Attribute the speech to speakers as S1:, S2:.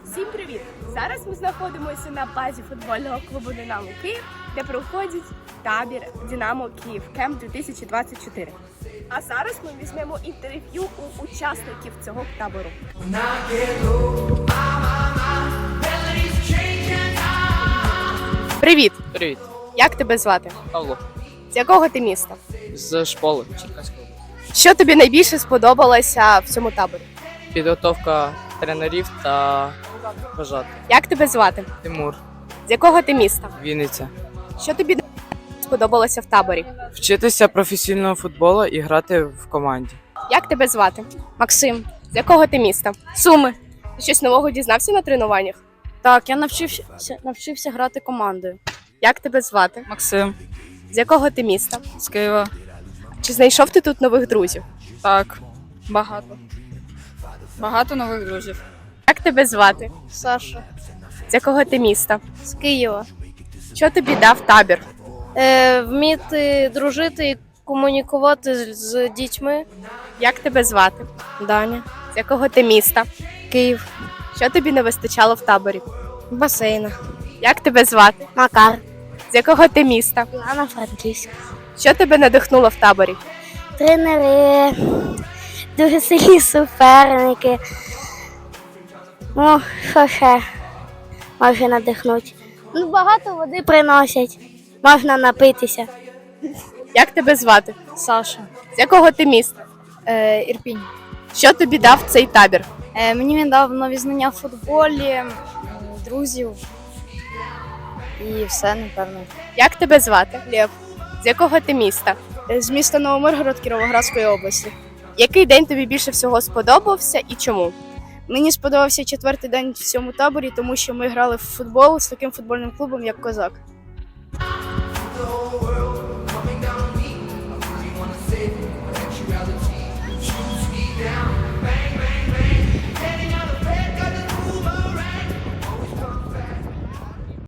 S1: Всім привіт! Зараз ми знаходимося на базі футбольного клубу «Динамо Київ», де проходить табір «Динамо Київ Кемп 2024. А зараз ми візьмемо інтерв'ю у учасників цього табору. Привіт!
S2: Привіт,
S1: Як тебе звати?
S2: Павло.
S1: З якого ти міста?
S2: З школи Черкаської області.
S1: Що тобі найбільше сподобалося в цьому таборі?
S2: Підготовка тренерів та вважати.
S1: Як тебе звати?
S2: Тимур,
S1: З якого ти міста?
S2: Вінниця.
S1: Що тобі сподобалося в таборі?
S2: Вчитися професійного футболу і грати в команді.
S1: Як тебе звати?
S3: Максим,
S1: З якого ти міста?
S3: Суми.
S1: Ти щось нового дізнався на тренуваннях?
S3: Так, я навчився грати командою.
S1: Як тебе звати?
S2: Максим,
S1: З якого ти міста?
S2: з Києва.
S1: Чи знайшов ти тут нових друзів?
S2: Так, багато. Багато нових друзів.
S1: Як тебе звати?
S3: Саша.
S1: З якого ти міста?
S3: З Києва.
S1: Що тобі дав табір?
S3: Вміти дружити і комунікувати з дітьми.
S1: Як тебе звати?
S3: Даня.
S1: З якого ти міста?
S3: Київ.
S1: Що тобі не вистачало в таборі?
S3: Басейна.
S1: Як тебе звати?
S3: Макар.
S1: З якого ти міста?
S3: Івано-Франківськ.
S1: Що тебе надихнуло в таборі?
S3: Тренери. Дуже сильні суперники. Ну, що ще може надихнути? Ну, багато води приносять. Можна напитися.
S1: Як тебе звати?
S3: Саша.
S1: З якого ти міста?
S3: Ірпінь.
S1: Що тобі дав цей табір?
S3: Мені він дав нові знання в футболі, друзів і все, напевно.
S1: Як тебе звати?
S3: Лев.
S1: З якого ти міста?
S3: З міста Новомиргород Кіровоградської області.
S1: Який день тобі більше всього сподобався і чому?
S3: Мені сподобався 4-й день в цьому таборі, тому що ми грали в футбол з таким футбольним клубом, як Козак.